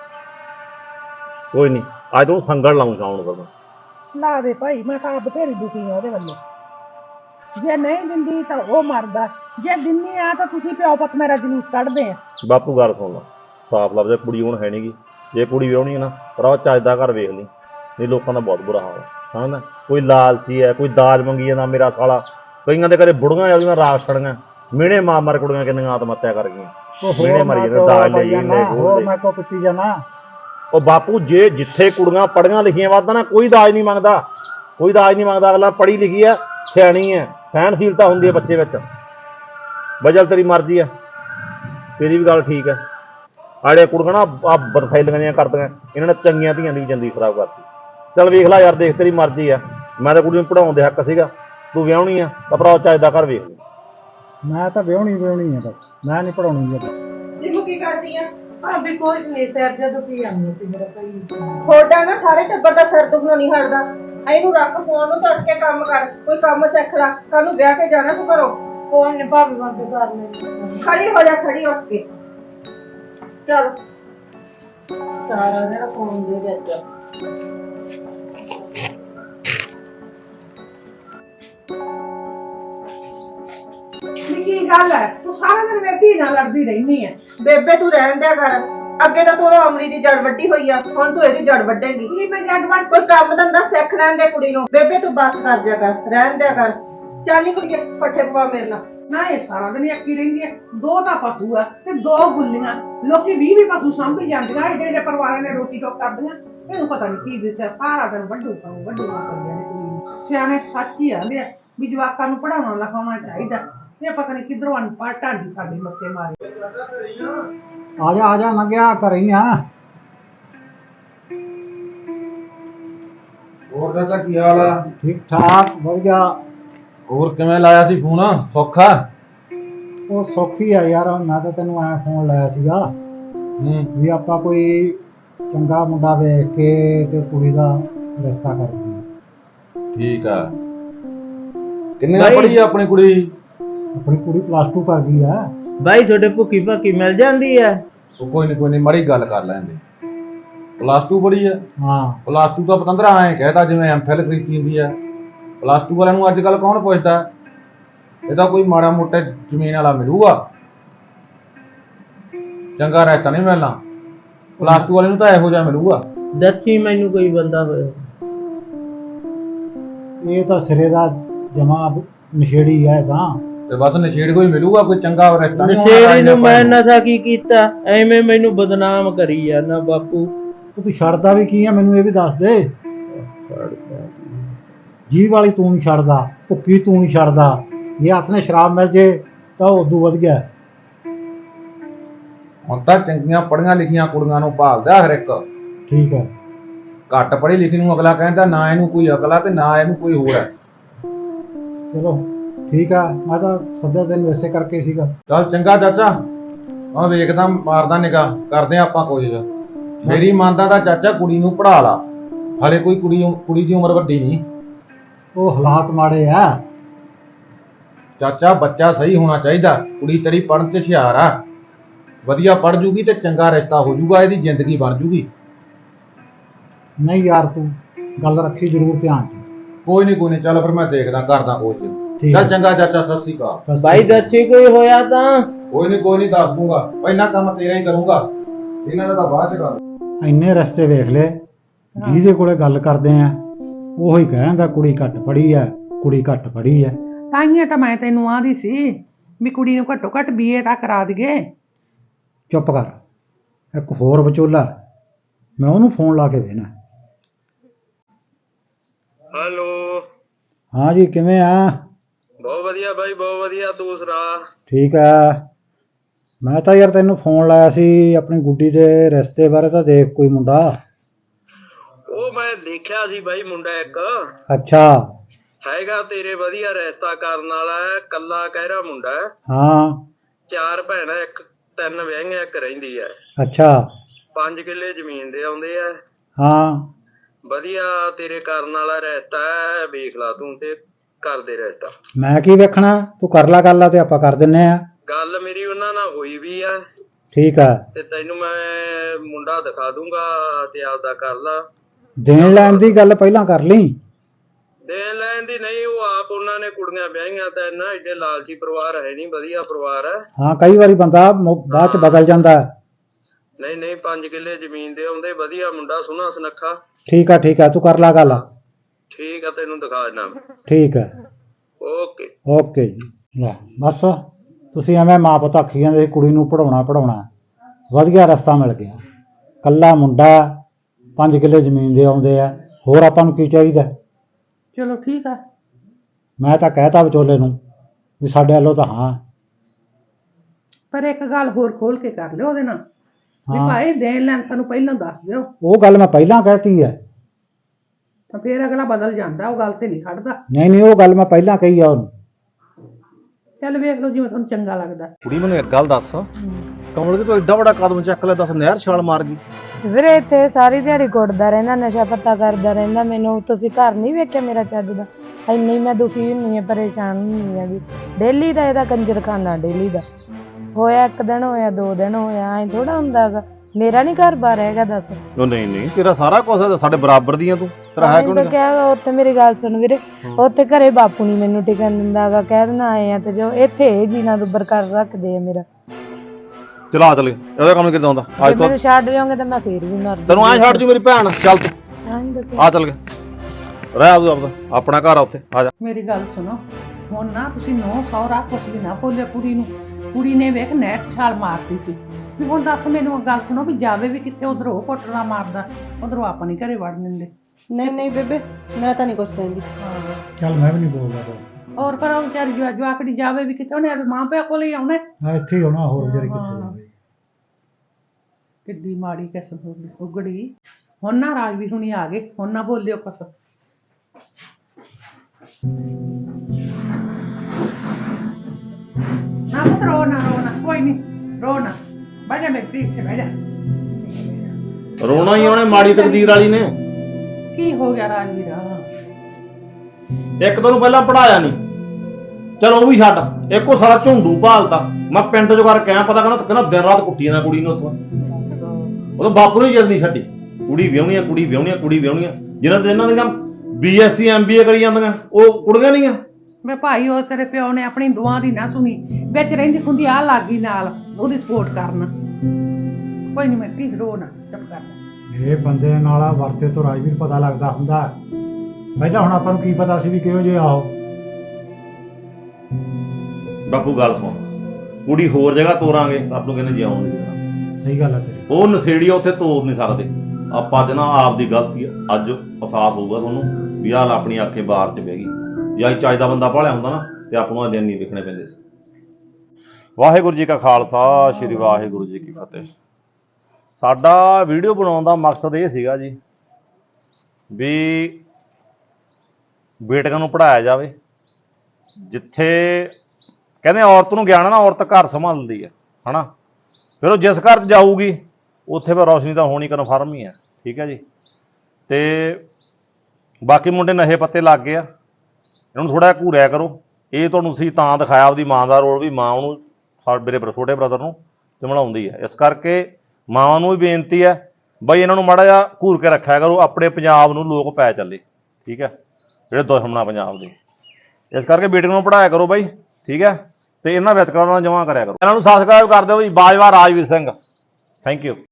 ਕੋਈ ਨਹੀਂ, ਅੱਜ ਤੂੰ ਸੰਗਲ ਲਾਉਂ ਜਾਉਣ ਕਰਦਾ।
ਲਾ ਦੇ ਭਾਈ, ਮੈਂ ਤਾਂ ਬਥੇਰੀ ਦੁਖੀ ਆ ਉਹਦੇ ਵੱਲੋਂ। ਜੇ ਨਹੀਂ ਦਿੰਦੀ ਤਾਂ ਉਹ ਮਰਦਾ, ਜੇ ਦਿੰਨੀ ਆ ਤਾਂ ਤੁਸੀਂ ਪਿਓ ਪੁੱਤ ਮੇਰਾ ਜਲੂਸ ਕੱਢਦੇ ਆ।
ਬਾਪੂ ਗੱਲ ਸੁਣ ਲਾ, ਸਾਫ਼ ਲਫ਼ਜ਼ ਕੁੜੀ ਹੁਣ ਹੈ ਨੀ ਗੀ। ਜੇ ਕੁੜੀ ਵਿਆਹਣੀ ਹੈ ਨਾ, ਭਰਾ ਚੱਜ ਦਾ ਘਰ ਵੇਖ ਲਈ, ਨਹੀਂ ਲੋਕਾਂ ਦਾ ਬਹੁਤ ਬੁਰਾ ਹਾਲ ਹੈ। ਹਾਂ, ਕੋਈ ਲਾਲਚੀ ਹੈ, ਕੋਈ ਦਾਜ ਮੰਗੀ ਜਾਂਦਾ ਮੇਰਾ ਸਾਲਾ। ਕਈਆਂ ਦੇ ਘਰੇ ਬੁੜੀਆਂ ਉਹਦੀਆਂ ਰਾਖ ਛੜੀਆਂ, ਮਿਹਣੇ ਮਾਰ ਮਾਰ ਕੁੜੀਆਂ ਕਿੰਨੀਆਂ ਆਤਮ ਹੱਤਿਆ ਕਰ ਗਈਆਂ। ਮਿਹਣੇ ਮਰੀ ਜਾਂਦੇ, ਦਾਜ ਲਈ ਜਾਂਦੇ,
ਹੋਰ ਮੈਂ ਕੋ ਪਿੱਟੀ ਜਾਣਾ।
ਉਹ ਬਾਪੂ ਜੇ ਜਿੱਥੇ ਕੁੜੀਆਂ ਪੜ੍ਹੀਆਂ ਲਿਖੀਆਂ ਵੱਧਦਾ ਨਾ, ਕੋਈ ਦਾਜ ਨਹੀਂ ਮੰਗਦਾ, ਕੋਈ ਦਾਜ ਨਹੀਂ ਮੰਗਦਾ। ਅਗਲਾ ਪੜ੍ਹੀ ਲਿਖੀ ਹੈ, ਸਿਆਣੀ ਹੈ, ਸਹਿਣਸ਼ੀਲਤਾ ਹੁੰਦੀ ਹੈ ਬੱਚੇ ਵਿੱਚ। ਬਜਲ ਤੇਰੀ ਮਰਜ਼ੀ ਹੈ, ਤੇਰੀ ਵੀ ਗੱਲ ਠੀਕ ਹੈ। ਆੜੇ ਕੁੜੀਆਂ ਨਾ ਆ ਬਰਫੈਲੀਆਂ ਜਿਹੀਆਂ ਕਰਦੀਆਂ, ਇਹਨਾਂ ਨੇ ਚੰਗੀਆਂ ਧੀਆਂ ਦੀ ਵੀ ਜ਼ਿੰਦਗੀ ਖਰਾਬ ਕਰਤੀ। ਚੱਲ ਵੇਖ ਲੈ ਯਾਰ, ਦੇਖ ਤੇਰੀ ਮਰਜ਼ੀ ਆ। ਮੈਂ ਤਾਂ ਕੁੜੀ ਨੂੰ ਪੜ੍ਹਾਉਣ ਦੇ ਹੱਕ ਸੀਗਾ, ਤੂੰ ਵਿਆਹਣੀ ਆ ਤਾਂ ਭਰਾ ਚੱਜ ਦਾ ਘਰ ਵੇਖ ਲਈ।
ਮੈਂ ਤਾਂ ਵਿਆਹਣੀ ਵਿਆਹਣੀ ਆ, ਬਸ ਮੈਂ ਨਹੀਂ ਪੜਾਉਣੀ।
ਜਿੰਮੂ ਕੀ ਕਰਦੀ ਆ?
ਭਾਬੀ ਕੁਛ ਨਹੀਂ, ਸਿਰ ਜਦੋਂ ਕੀ ਆਉਂਦਾ ਸੀ ਮੇਰਾ ਭਾਈ।
ਥੋੜਾ ਨਾ ਸਾਰੇ ਟੱਬਰ ਦਾ ਸਿਰ ਦੁਖਣੋਂ ਨਹੀਂ ਹਟਦਾ। ਇਹਨੂੰ ਰੱਖ ਫੋਨ ਨੂੰ, ਤੜ ਕੇ ਕੰਮ ਕਰ, ਕੋਈ ਕੰਮ ਸਿੱਖ ਲੈ, ਕੱਲ ਨੂੰ ਵਿਆਹ ਕੇ ਜਾਣਾ ਤੂੰ ਘਰੋਂ।
ਕੋਈ ਨਹੀਂ ਭਾਬੀ, ਮੈਂ ਤੇ ਕਰ ਲੈਂਦੀ।
ਖੜੀ ਹੋ ਜਾ, ਖੜੀ ਉੱਠ ਕੇ ਚੱਲ। ਸਾਰਾ ਦਿਨ ਫੋਨ ਦੇ ਵਿੱਚ।
ਕੀ ਗੱਲ ਹੈ? ਤੂੰ ਸਾਰਾ ਦਿਨ ਮੇਰੀ ਧੀ ਨਾਲ ਲੜਦੀ ਰਹਿਨੀ ਹੈ।
ਬੇਬੇ ਤੂੰ ਰਹਿਣ ਦਿਆ ਕਰ, ਅੱਗੇ ਤਾਂ ਤੂੰ ਅਮਲੀ ਦੀ ਜੜ ਵੱਡੀ ਹੋਈ ਆ, ਹੁਣ ਤੂੰ ਇਹਦੀ ਜੜ ਵੱਢੇਂਗੀ।
ਕੀ ਮੈਂ ਜੱਟ ਵੱਟ?
ਕੋਈ ਕੰਮ ਧੰਦਾ ਸਿੱਖ ਲੈਣ ਦੇ ਕੁੜੀ ਨੂੰ। ਬੇਬੇ ਤੂੰ ਬਸ ਕਰ ਜਾ ਕਰ, ਰਹਿਣ ਦਿਆ ਕਰ। ਚੱਲ ਨੀ ਕੁੜੀਏ, ਪੱਠੇ ਪਵਾ ਮੇਰੇ ਨਾਲ।
ਨਾ ਇਹ ਸਾਰਾ ਦਿਨ ਹੀ ਅੱਕੀ ਰਹਿੰਦੀ ਹੈ। ਦੋ ਤਾਂ ਪਸ਼ੂ ਆ ਤੇ ਦੋ ਗੁੱਲੀਆਂ, ਲੋਕੀ ਵੀਹ ਵੀਹ ਪਸ਼ੂ ਸਾਂਭੀ ਜਾਂਦੀਆਂ, ਏਡੇ ਏਡੇ ਪਰਿਵਾਰਾਂ ਨੇ ਰੋਟੀ ਟੋਕ ਕਰਦੀਆਂ। ਇਹਨੂੰ ਪਤਾ ਨਹੀਂ ਕੀ ਦਿਸਿਆ, ਸਾਰਾ ਦਿਨ ਵੱਡੂ ਕੰਮ ਵੱਡੂ ਕੰਮ ਕਰਦੀਆਂ ਨੇ ਕੁੜੀ ਨੂੰ। ਸਿਆਣੇ ਸੱਚ ਹੀ ਆਂਦੇ ਆ ਵੀ ਜਵਾਕਾਂ ਨੂੰ ਪੜਾਉਣਾ ਲਿਖਾਉਣਾ ਚਾਹੀਦਾ। ਇਹ ਪਤਾ ਨਹੀਂ ਕਿੱਧਰੋਂ ਅਨਪੜ੍ਹ ਢਾਂਡੀ ਸਾਡੇ ਮੱਥੇ ਮਾਰੇ।
ਆ ਜਾ ਆ ਜਾ ਲੰਘਿਆ ਘਰੇ ਹੀ ਆ।
ਹੋਰ ਦਾਦਾ ਕੀ ਹਾਲ ਆ?
ਠੀਕ ਠਾਕ ਵਧੀਆ।
ਹੋਰ ਕਿਵੇਂ ਲਾਇਆ ਸੀ ਫੋਨ? ਸੌਖਾ?
ਉਹ ਸੌਖੀ ਆ ਯਾਰ, ਮੈਂ ਤਾਂ ਤੈਨੂੰ ਐ ਫੋਨ ਲਾਇਆ ਸੀਗਾ
ਹੂੰ।
ਵੀ ਆਪਾਂ ਕੋਈ ਚੰਗਾ ਮੁੰਡਾ ਵੇਖ ਕੇ ਤੇ ਕੁੜੀ ਦਾ ਰਿਸ਼ਤਾ ਕਰ ਦਈਏ।
ਠੀਕ ਆ। ਕਿੰਨੇ ਦਾ ਪੜ੍ਹੀ ਆ ਆਪਣੀ ਕੁੜੀ?
ਆਪਣੀ ਕੁੜੀ ਪਲੱਸ ਟੂ ਕਰ ਗਈ ਆ।
ਬਾਈ ਤੁਹਾਡੇ ਭੁੱਕੀ ਭਾਕੀ ਮਿਲ ਜਾਂਦੀ ਆ?
ਉਹ ਕੋਈ ਨਹੀਂ ਕੋਈ ਨਹੀਂ, ਮਾੜੀ ਗੱਲ ਕਰ ਲੈਂਦੇ। ਪਲੱਸ ਟੂ ਪੜ੍ਹੀ ਆ?
ਹਾਂ
ਪਲੱਸ ਟੂ ਤਾਂ ਪਤੰਦਰਾ ਐਂ ਕਹਿਤਾ ਜਿਵੇਂ ਐਮਫਿਲ ਕੀਤੀ ਹੁੰਦੀ ਆ। ਪਲੱਸ ਟੂ ਵਾਲਿਆਂ ਨੂੰ ਅੱਜ ਕੱਲ ਕੌਣ ਪੁੱਛਦਾ? ਇਹਦਾ ਕੋਈ ਮਾੜਾ ਮੋਟਾ ਜ਼ਮੀਨ ਵਾਲਾ ਮਿਲੂਗਾ, ਚੰਗਾ ਰਹਿਤਾ ਨਹੀਂ ਮਿਲਣਾ। ਪਲੱਸ ਟੂ ਵਾਲੇ ਨੂੰ ਤਾਂ ਇਹੋ ਜਿਹਾ ਮਿਲੂਗਾ।
ਦੱਸੀ ਮੈਨੂੰ ਕੋਈ ਬੰਦਾ ਹੋਇਆ।
ਇਹ ਤਾਂ ਸਿਰੇ ਦਾ ਜਮਾ ਨਸ਼ੇੜੀ ਆ ਇਹ ਤਾਂ।
ਤੇ ਬਸ ਨਸ਼ੇੜ ਕੋਈ ਮਿਲੂਗਾ, ਕੋਈ ਚੰਗਾ ਰਿਸ਼ਤਾ ਨਹੀਂ
ਨਸ਼ੇੜੀ ਨੂੰ ਮੈਂ ਨਸ਼ਾ ਕੀ ਕੀਤਾ? ਐਵੇਂ ਮੈਨੂੰ ਬਦਨਾਮ ਕਰੀ ਜਾਂਦਾ ਬਾਪੂ।
ਤੂੰ ਛੱਡਦਾ ਵੀ ਕੀ ਆ ਮੈਨੂੰ ਇਹ ਵੀ ਦੱਸ ਦੇ। ਜੀਭ ਵਾਲੀ ਤੂੰ ਨਹੀਂ ਛੱਡਦਾ, ਭੁੱਕੀ ਤੂੰ ਨਹੀਂ ਛੱਡਦਾ, ਜੇ ਹੱਥ ਨੇ ਸ਼ਰਾਬ ਮਿਲ ਜੇ ਤਾਂ ਉਦੋਂ ਵਧ ਗਿਆ।
ਹੁਣ ਤਾਂ ਚੰਗੀਆਂ ਪੜ੍ਹੀਆਂ ਲਿਖੀਆਂ ਕੁੜੀਆਂ ਨੂੰ ਭਾਲਦਾ ਹਰ ਇੱਕ।
ਠੀਕ ਹੈ।
ਘੱਟ ਪੜ੍ਹੀ ਲਿਖੀ ਨੂੰ ਅਗਲਾ ਕਹਿੰਦਾ ਨਾ ਇਹਨੂੰ ਕੋਈ ਅਕਲ ਆ ਤੇ ਨਾ ਇਹਨੂੰ ਕੋਈ ਹੋਰ ਹੈ।
ਚਲੋ ਠੀਕ ਆ, ਮੈਂ ਤਾਂ ਸੱਦਿਆ ਤੈਨੂੰ ਇਸੇ ਕਰਕੇ ਸੀਗਾ।
ਚੱਲ ਚੰਗਾ ਚਾਚਾ, ਮੈਂ ਵੇਖਦਾ ਮਾਰਦਾ ਨਿਗਾਹ, ਕਰਦੇ ਆ ਆਪਾਂ ਕੋਸ਼ਿਸ਼। ਮੇਰੀ ਮੰਨਦਾ ਤਾਂ ਚਾਚਾ ਕੁੜੀ ਨੂੰ ਪੜ੍ਹਾ ਲਾ, ਹਲੇ ਕੋਈ ਕੁੜੀ ਕੁੜੀ ਦੀ ਉਮਰ ਵੱਡੀ ਨਹੀਂ।
ਉਹ ਹਾਲਾਤ ਮਾੜੇ ਆ
ਚਾਚਾ ਬੱਚਾ ਸਹੀ ਹੋਣਾ ਚਾਹੀਦਾ। ਕੁੜੀ ਤੇਰੀ ਪੜ੍ਹਨ ਤੇ ਹੁਸ਼ਿਆਰ ਆ, ਵਧੀਆ ਪੜ੍ਹ ਜੂਗੀ ਤੇ ਚੰਗਾ ਰਿਸ਼ਤਾ ਹੋ ਜੂਗਾ, ਇਹਦੀ ਜ਼ਿੰਦਗੀ ਬਣ ਜੂਗੀ।
ਨਹੀਂ ਯਾਰ ਤੂੰ ਗੱਲ ਰੱਖੀ ਜ਼ਰੂਰ ਧਿਆਨ ਚ।
ਕੋਈ ਨਹੀਂ ਕੋਈ ਨਹੀਂ, ਚੱਲ ਫਿਰ ਮੈਂ ਦੇਖਦਾ ਕਰਦਾ ਕੋਸ਼ਿਸ਼।
ਠੀਕ
ਚੱਲ
ਹੈ।
ਚੰਗਾ ਚਾਚਾ, ਸਤਿ ਸ਼੍ਰੀ ਅਕਾਲ।
ਸਤਿ ਸ਼੍ਰੀ
ਬਾਈ
ਅਕਾਲ।
ਦੱਸੀ ਕੋਈ ਹੋਇਆ ਤਾਂ?
ਕੋਈ ਨਹੀਂ ਕੋਈ ਨਹੀਂ, ਦੱਸ ਦੂੰਗਾ। ਪਹਿਲਾਂ ਕੰਮ ਤੇਰਾ ਹੀ ਕਰੂੰਗਾ, ਇਹਨਾਂ ਦਾ ਤਾਂ ਬਾਅਦ ਚ ਕਰ।
ਇੰਨੇ ਰਸਤੇ ਵੇਖ ਲਏ, ਜਿਹਦੇ ਕੋਲੇ ਗੱਲ ਕਰਦੇ ਆ ਉਹੀ ਕਹਿੰਦਾ ਕੁੜੀ ਘੱਟ ਪੜ੍ਹੀ ਆ, ਕੁੜੀ ਘੱਟ ਪੜ੍ਹੀ ਆ।
ਤਾਈਆਂ ਤਾਂ ਮੈਂ ਤੈਨੂੰ ਆਂਦੀ ਸੀ ਵੀ ਕੁੜੀ ਨੂੰ ਘੱਟੋ ਘੱਟ ਬੀਏ ਤਾਂ ਕਰਾ ਦਈਏ।
ਚੁੱਪ ਕਰ। ਇੱਕ ਹੋਰ ਵਿਚੋਲਾ, ਮੈਂ ਉਹਨੂੰ ਫੋਨ ਲਾ ਕੇ ਦੇਣਾ।
ਹੈਲੋ।
ਹਾਂ ਜੀ, ਕਿਵੇਂ ਆ?
ਬਹੁਤ ਵਧੀਆ ਬਾਈ, ਬਹੁਤ ਵਧੀਆ। ਤੂੰ ਸੁਣਾ?
ਠੀਕ ਆ। ਮੈਂ ਤਾਂ ਯਾਰ ਤੈਨੂੰ ਫੋਨ ਲਾਇਆ ਸੀ ਆਪਣੀ ਗੁੱਡੀ ਦੇ ਰਿਸ਼ਤੇ ਬਾਰੇ, ਤਾਂ ਦੇਖ ਕੋਈ ਮੁੰਡਾ।
ਉਹ ਮੈਂ ਦੇਖਿਆ ਸੀ ਬਾਈ ਮੁੰਡਾ ਇੱਕ
ਅੱਛਾ।
ਹੈਗਾ ਤੇਰੇ ਵਧੀਆ ਰਿਸ਼ਤਾ ਕਰਨ ਵਾਲਾ ਹੈ, ਕੱਲਾ ਕਹਿਰਾ ਮੁੰਡਾ ਹੈ।
ਹਾਂ।
ਚਾਰ ਭੈਣਾਂ, ਇੱਕ ਤਿੰਨ ਵਿਆਹੀਆਂ, ਇੱਕ ਰਹਿੰਦੀ ਹੈ।
ਅੱਛਾ।
ਪੰਜ ਕਿੱਲੇ ਜ਼ਮੀਨ ਦੇ ਆਉਂਦੇ ਆ।
ਹਾਂ।
ਵਧੀਆ ਤੇਰੇ ਕਰਨ ਵਾਲਾ ਰਿਸ਼ਤਾ ਹੈ, ਵੇਖ ਲਾ ਤੂੰ ਤੇ ਕਰਦੇ ਰਿਸ਼ਤਾ।
ਮੈਂ ਕੀ ਵੇਖਣਾ, ਤੂੰ ਕਰ ਲਾ ਗੱਲ ਤੇ ਆਪਾਂ ਕਰ ਦਿੰਨੇ ਆ।
ਗੱਲ ਮੇਰੀ ਉਹਨਾਂ ਨਾਲ ਹੋਈ ਵੀ ਆ।
ਠੀਕ ਆ।
ਤੇ ਤੈਨੂੰ ਮੈਂ ਮੁੰਡਾ ਦਿਖਾ ਦੂੰਗਾ ਤੇ ਆਪਦਾ ਕਰ ਲਾ।
ਦੇਣ ਲੈਣ ਦੀ ਗੱਲ ਪਹਿਲਾਂ ਕਰ ਲਈ।
ਦੇਣ ਲੈਣ ਦੀ ਨਹੀਂ, ਉਹ ਆਪ ਉਹਨਾਂ ਨੇ ਕੁੜੀਆਂ ਵਿਆਹੀਆਂ ਤਾਂ ਇੰਨਾ ਏਡੇ ਲਾਲਚੀ ਪਰਿਵਾਰ ਹੈ ਨਹੀਂ, ਵਧੀਆ ਪਰਿਵਾਰ ਹੈ।
ਹਾਂ, ਕਈ ਵਾਰੀ ਬੰਦਾ ਮੁ- ਬਾਅਦ ਚ ਬਦਲ ਜਾਂਦਾ।
ਨਹੀਂ ਨਹੀਂ, ਪੰਜ ਕਿੱਲੇ ਜ਼ਮੀਨ ਦੇ ਆਉਂਦੇ, ਵਧੀਆ ਮੁੰਡਾ, ਸੋਹਣਾ ਸੁਨੱਖਾ।
ਠੀਕ ਆ ਠੀਕ ਆ, ਤੂੰ ਕਰ ਲਾ ਗੱਲ।
ਠੀਕ ਆ, ਤੈਨੂੰ ਦਿਖਾ ਦੇਣਾ।
ਠੀਕ ਆ।
ਓਕੇ
ਓਕੇ ਜੀ। ਲੈ ਬਸ, ਤੁਸੀਂ ਐਵੇਂ ਮਾਂ ਪੁੱਤ ਆਖੀ ਜਾਂਦੇ ਕੁੜੀ ਨੂੰ ਪੜਾਉਣਾ ਪੜਾਉਣਾ, ਵਧੀਆ ਰਸਤਾ ਮਿਲ ਗਿਆ। ਕੱਲਾ ਮੁੰਡਾ, ਪੰਜ ਕਿੱਲੇ ਜ਼ਮੀਨ ਦੇ ਆਉਂਦੇ ਆ, ਹੋਰ ਆਪਾਂ ਨੂੰ ਕੀ ਚਾਹੀਦਾ?
ਚਲੋ ਠੀਕ ਆ।
ਮੈਂ ਤਾਂ ਕਹਿਤਾ ਵਿਚੋਲੇ ਨੂੰ ਵੀ ਸਾਡੇ ਵੱਲੋਂ ਤਾਂ ਹਾਂ।
ਪਰ ਇੱਕ ਗੱਲ ਹੋਰ ਖੋਲ ਕੇ ਕਰ ਲਿਓ ਉਹਦੇ ਨਾਲ ਵੀ
ਹਾਂ।
ਭਾਈ ਦੇਣ ਲੈਣ ਸਾਨੂੰ ਪਹਿਲਾਂ ਦੱਸ ਦਿਓ,
ਉਹ ਗੱਲ ਮੈਂ ਪਹਿਲਾਂ ਕਹਿਤੀ ਹੈ।
ਤਾਂ ਫੇਰ ਅਗਲਾ ਬਦਲ ਜਾਂਦਾ, ਉਹ ਗੱਲ ਤੇ ਨਹੀਂ ਖੜਦਾ।
ਨਹੀਂ ਨਹੀਂ, ਉਹ ਗੱਲ ਮੈਂ ਪਹਿਲਾਂ ਕਹੀ ਆ ਉਹਨੂੰ।
ਚੱਲ ਵੇਖ ਲਓ ਜਿਵੇਂ ਤੁਹਾਨੂੰ ਚੰਗਾ ਲੱਗਦਾ।
ਕੁੜੀ ਮੈਨੂੰ ਇੱਕ ਗੱਲ ਦੱਸ, ਕਮਲ ਕਿ ਤੂੰ ਐਡਾ ਵੱਡਾ ਕਦਮ ਚੱਕ ਲਿਆ, ਦੱਸ ਨਹਿਰ ਛਾਲ ਮਾਰ ਗਈ।
ਵੀਰੇ ਇੱਥੇ ਸਾਰੀ ਦਿਹਾੜੀ ਕੁੱਟਦਾ ਰਹਿੰਦਾ, ਨਸ਼ਾ ਪੱਤਾ ਕਰਦਾ ਰਹਿੰਦਾ। ਮੈਨੂੰ ਤੁਸੀਂ ਘਰ ਨਹੀਂ ਵੇਖਿਆ ਮੇਰਾ ਚੱਜ ਦਾ? ਇੰਨੀ ਮੈਂ ਦੁਖੀ ਹੁੰਦੀ ਹਾਂ, ਪਰੇਸ਼ਾਨ ਹੁੰਦੀ ਹਾਂ। ਡੇਲੀ ਦਾ ਇਹਦਾ ਕੰਜਰਖਾਨਾ, ਡੇਲੀ ਦਾ। ਹੋਇਆ ਇੱਕ ਦਿਨ, ਹੋਇਆ ਦੋ ਦਿਨ, ਹੋਇਆ ਐਂ ਥੋੜਾ ਹੁੰਦਾ ਹੈਗਾ। ਮੇਰਾ ਨਹੀਂ ਘਰ ਬਾਰ ਹੈਗਾ, ਦੱਸ।
ਉਹ ਨਹੀਂ ਨਹੀਂ, ਤੇਰਾ ਸਾਰਾ ਕੁਝ ਸਾਡੇ ਬਰਾਬਰ ਦੀਆਂ, ਤੂੰ ਤੇਰਾ ਹੈ ਕਿਉਂ
ਤਾਂ
ਨਹੀਂ?
ਕਿਹਾ ਉੱਥੇ, ਮੇਰੀ ਗੱਲ ਸੁਣ ਵੀਰੇ, ਉੱਥੇ ਘਰੇ ਬਾਪੂ ਨੀ ਮੈਨੂੰ ਟਿਕਣ ਦਿੰਦਾ ਹੈਗਾ, ਕਹਿ ਦੇਣਾ ਆਏ ਆ ਤੇ ਜੋ ਇੱਥੇ ਇਹ ਜੀਣਾ ਦੁੱਬਰ ਕਰ ਰੱਖਦੇ ਆ ਮੇਰਾ।
ਚਲਾ ਚੱਲ, ਇਹਦਾ ਕੰਮ ਕਿੱਦਾਂ ਹੁੰਦਾ
ਜੇ
ਅੱਜ ਤੋਂ?
ਮੈਨੂੰ ਛੱਡ ਜਾਓਗੇ ਤਾਂ ਮੈਂ ਫੇਰ ਵੀ ਮਰ
ਤੈਨੂੰ ਐਂ ਛੱਡ ਜੂ ਮੇਰੀ ਭੈਣ, ਚੱਲ ਤੂੰ
ਜਾਊਂਗੀ।
ਆ ਚੱਲ ਕੇ ਰਹਿ ਤੂੰ ਆਪਦਾ, ਆਪਣਾ ਘਰ ਆ ਉੱਥੇ, ਆ ਜਾ।
ਮੇਰੀ ਗੱਲ ਸੁਣੋ, ਹੁਣ ਨਾ ਤੁਸੀਂ ਨੌ ਸੌਰਾ ਕੁਛ ਵੀ ਨਾ ਬੋਲੇ ਕੁੜੀ ਨੂੰ। ਕੁੜੀ ਨੇ ਵੇਖ ਨਹਿਰ ਛਾਲ ਮਾਰਤੀ ਸੀ ਵੀ ਹੁਣ ਦੱਸ ਮੈਨੂੰ ਇੱਕ ਗੱਲ ਸੁਣੋ ਵੀ ਜਾਵੇ ਵੀ ਕਿੱਥੇ, ਉਧਰੋਂ ਉਹ ਕੋਟਣਾ ਮਾਰਦਾ, ਉਧਰੋਂ ਆਪਾਂ ਨਹੀਂ ਘਰੇ ਵੜ ਦਿੰਦੇ।
ਨਹੀਂ ਨਹੀਂ ਬੇਬੇ, ਮੈਂ ਤਾਂ ਨਹੀਂ ਕੁਛ ਕਹਿੰਦੀ।
ਹਾਂ
ਚੱਲ ਮੈਂ ਵੀ ਨਹੀਂ ਬੋਲਦਾ ਕੋਈ।
ਹੋਰ ਪਰ ਉਹ ਵਿਚਾਰੀ ਜਵਾ- ਜਵਾਕੜੀ ਜਾਵੇ ਵੀ ਕਿੱਥੇ, ਉਹਨੇ ਆਪਣੇ ਮਾਂ ਪਿਓ ਕੋਲ ਹੀ ਆਉਣਾ।
ਮੈਂ ਇੱਥੇ ਹੀ ਹੋਣਾ, ਹੋਰ ਵਿਚਾਰੀ ਕਿੱਥੇ
ਹਾਂ।
ਜਾਵੇ।
ਕਿੱਡੀ ਮਾੜੀ ਕਿਸਮ ਉਗੜੀ। ਹੁਣ ਨਾ ਰਾਜਵੀਰ ਹੁਣੀ ਆ ਗਏ, ਹੁਣ ਨਾ ਬੋਲਿਓ ਕੁਛ। ਨਾ ਪੁੱਤ ਰੋ ਨਾ, ਰੋ ਨਾ, ਕੋਈ ਨਹੀਂ ਰੋ ਨਾ, ਬਹਿ ਜਾ ਮੇਰੀ ਧੀ, ਇੱਥੇ ਬਹਿ ਜਾ।
ਰੋਣਾ ਹੀ ਉਹਨੇ ਮਾੜੀ ਤਕਦੀਰ ਵਾਲੀ ਨੇ।
ਕੀ ਹੋ ਗਿਆ ਰਾਜਵੀਰ?
ਇੱਕ ਤਾਂ ਉਹਨੂੰ ਪਹਿਲਾਂ ਪੜਾਇਆ ਨਹੀਂ, ਚਲ ਉਹ ਵੀ ਛੱਡ, ਇੱਕੋ ਸਾਰਾ ਝੁੰਡੂ ਭਾਲਦਾ। ਮੈਂ ਪਿੰਡ ਚੋਂ ਕਰਕੇ ਆਇਆ, ਪਤਾ ਕਹਿੰਦਾ ਕਹਿੰਦਾ ਦਿਨ ਰਾਤ ਕੁੱਟੀ ਜਾਂਦਾ ਕੁੜੀ ਨੂੰ। ਉੱਥੋਂ ਉਹਦਾ ਬਾਪੂ ਨੇ ਜਲਦੀ ਛੱਡੀ, ਕੁੜੀ ਵਿਆਹਣੀ ਆ, ਕੁੜੀ ਵਿਆਹਣੀ ਆ, ਕੁੜੀ ਵਿਆਹਣੀ ਆ। ਜਿਹਨਾਂ ਤੇ ਇਹਨਾਂ ਦੀਆਂ B S C M B A ਕਰੀ ਜਾਂਦੀਆਂ, ਉਹ ਕੁੜੀਆਂ ਨਹੀਂ ਆ।
ਮੈਂ ਭਾਈ ਉਹ ਤੇਰੇ ਪਿਓ ਨੇ ਆਪਣੀ ਦੁਆ ਦੀ ਨਾ ਸੁਣੀ, ਵਿੱਚ ਰਹਿੰਦੀ ਖੁੰਦੀ ਆ ਲੱਗ ਗਈ ਨਾਲ ਉਹਦੀ ਸਪੋਰਟ ਕਰਨ। ਕੋਈ ਨਹੀਂ, ਮੈਂ ਧੀ ਰੋ ਨਾ, ਚੁੱਪ ਕਰ।
ਇਹ ਬੰਦੇ ਨਾਲ ਆ ਵਰਤੇ ਤੋਂ ਰਾਜਵੀਰ ਪਤਾ ਲੱਗਦਾ ਹੁੰਦਾ। ਪਹਿਲਾਂ ਹੁਣ ਆਪਾਂ ਨੂੰ ਕੀ ਪਤਾ ਸੀ ਵੀ ਕਿਹੋ ਜਿਹੇ ਆਓ।
ਬਾਪੂ ਗੱਲ ਸੁਣ, ਕੁੜੀ ਹੋਰ ਜਗ੍ਹਾ ਤੋਰਾਂਗੇ, ਆਪ ਨੂੰ ਕਹਿੰਦੇ ਜਿਉਣ ਨਹੀਂ ਦੇਣਾ।
ਸਹੀ ਗੱਲ ਹੈ ਤੇਰੀ।
ਉਹ ਨਸ਼ੇੜੀ ਉੱਥੇ ਤੋਰ ਨਹੀਂ ਸਕਦੇ ਆਪਾਂ ਤੇ ਨਾ। ਆਪ ਦੀ ਗਲਤੀ ਆ, ਅੱਜ ਅਹਿਸਾਸ ਹੋਊਗਾ ਤੁਹਾਨੂੰ ਵੀ ਆਹ ਆਪਣੀ ਆਖੇ ਬਾਹਰ ਚ ਬਹਿ ਗਈ। ਜੇ ਅੱਜ ਚੱਜ ਦਾ ਬੰਦਾ ਭਾਲਿਆ ਹੁੰਦਾ ਨਾ ਤੇ ਆਪਾਂ ਨੂੰ ਇਹ ਦਿਨ ਨਹੀਂ ਦੇਖਣੇ ਪੈਂਦੇ ਸੀ। ਵਾਹਿਗੁਰੂ ਜੀ ਕਾ ਖਾਲਸਾ, ਸ੍ਰੀ ਵਾਹਿਗੁਰੂ ਜੀ ਕੀ ਫਤਿਹ। ਸਾਡਾ ਵੀਡੀਓ ਬਣਾਉਣ ਦਾ ਮਕਸਦ ਇਹ ਸੀਗਾ ਜੀ ਵੀ ਬੇਟੀਆਂ ਨੂੰ ਪੜ੍ਹਾਇਆ ਜਾਵੇ। ਜਿੱਥੇ ਕਹਿੰਦੇ ਔਰਤ ਨੂੰ ਗਿਆਨ ਹੈ ਨਾ, ਔਰਤ ਘਰ ਸੰਭਾਲਦੀ ਹੈ ਹਨਾ। ਫਿਰ ਉਹ ਜਿਸ ਘਰ 'ਚ ਜਾਊਗੀ ਉੱਥੇ ਫਿਰ ਰੌਸ਼ਨੀ ਤਾਂ ਹੋਣੀ ਕਨਫਰਮ ਹੀ ਹੈ, ਠੀਕ ਹੈ ਜੀ। ਤੇ ਬਾਕੀ ਮੁੰਡੇ ਨਸ਼ੇ ਪੱਤੇ ਲੱਗ ਗਏ ਆ, ਇਹਨਾਂ ਨੂੰ ਥੋੜ੍ਹਾ ਜਿਹਾ ਘੂਰਿਆ ਕਰੋ। ਇਹ ਤੁਹਾਨੂੰ ਅਸੀਂ ਤਾਂ ਦਿਖਾਇਆ ਆਪਦੀ ਮਾਂ ਦਾ ਰੋਲ, ਵੀ ਮਾਂ ਉਹਨੂੰ ਮੇਰੇ ਛੋਟੇ ਬ੍ਰਦਰ ਨੂੰ ਸੰਭਲਾਉਂਦੀ ਹੈ। ਇਸ ਕਰਕੇ ਮਾਵਾਂ ਨੂੰ ਵੀ ਬੇਨਤੀ ਹੈ ਬਈ ਇਹਨਾਂ ਨੂੰ ਮਾੜਾ ਜਿਹਾ ਘੂਰ ਕੇ ਰੱਖਿਆ ਕਰੋ। ਆਪਣੇ ਪੰਜਾਬ ਨੂੰ ਲੋਕ ਪੈ ਚੱਲੇ, ਠੀਕ ਹੈ, ਜਿਹੜੇ ਦੁਸ਼ਮਣ ਪੰਜਾਬ ਦੇ। ਇਸ ਕਰਕੇ ਬੇਟੀਆਂ ਨੂੰ ਪੜ੍ਹਾਇਆ ਕਰੋ ਬਾਈ, ਠੀਕ ਹੈ। ਤੇ ਇਹਨਾਂ ਵਿਤਕਰਾ ਨਾਲ ਜਮ੍ਹਾਂ ਕਰਿਆ ਕਰੋ। ਇਹਨਾਂ ਨੂੰ ਸਬਸਕ੍ਰਾਈਬ ਕਰ ਦਿਓ ਜੀ, ਬਾਜਵਾ ਰਾਜਵੀਰ ਸਿੰਘ। Thank you.